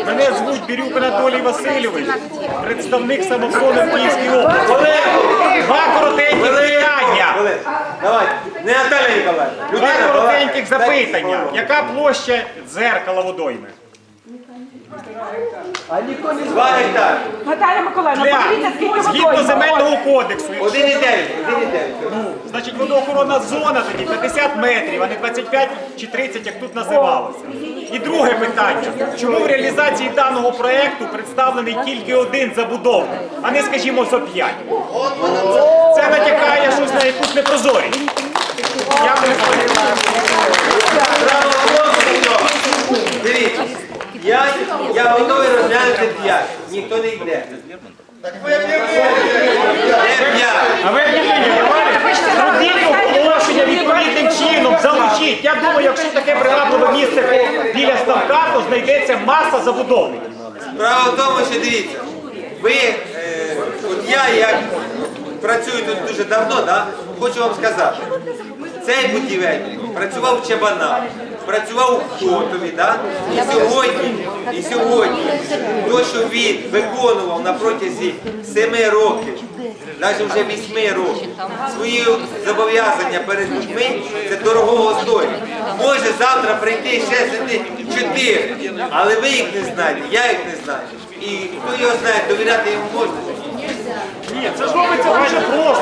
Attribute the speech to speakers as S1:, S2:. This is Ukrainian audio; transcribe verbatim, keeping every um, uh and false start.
S1: Мене звуть Бірюк Анатолій Васильович, представник самосону в Київській області. Два коротеньких питання.
S2: Давай, не Наталя Ніколаївна.
S1: Два коротеньких запитання. Яка площа дзеркала водойми?
S2: Два гектари.
S3: Наталя Миколаївна,
S1: Для,
S3: подивіться, скільки
S1: згідно
S3: водойм.
S1: земельного кодексу,
S2: Один і дев'ять. Один і дев'ять.
S1: значить водоохоронна зона тоді п'ятдесят метрів, а не двадцять п'ять чи тридцять, як тут називалося. І друге питання. Чому в реалізації даного проєкту представлений тільки один забудовник, а не, скажімо, зо п'ять? Це натякає щось на якусь непрозорість. Дякую.
S2: Право голосу до цього. Дивіться, я, я готовий розглянути п'ять. Ніхто не йде. Не п'ять.
S1: А ви зробіть оголошення відповідним чином, залучіть. Я думаю, якщо таке привабливе місце біля ставка, то знайдеться маса забудовників.
S2: Справа в тому, що дивіться, ви, е, от я як працюю тут дуже давно, да, хочу вам сказати, цей будівельник працював в Чабанах, працював у Хотові, да, і сьогодні, і сьогодні, то, що він виконував на протязі семи років, навіть вже вісьми років, свої зобов'язання перед людьми, це дорогого стоїть. Може завтра прийти ще сидіти чотири, але ви їх не знаєте, я їх не знаю. І хто його знає, довіряти йому можна?
S1: Ні, це ж робиться дуже просто.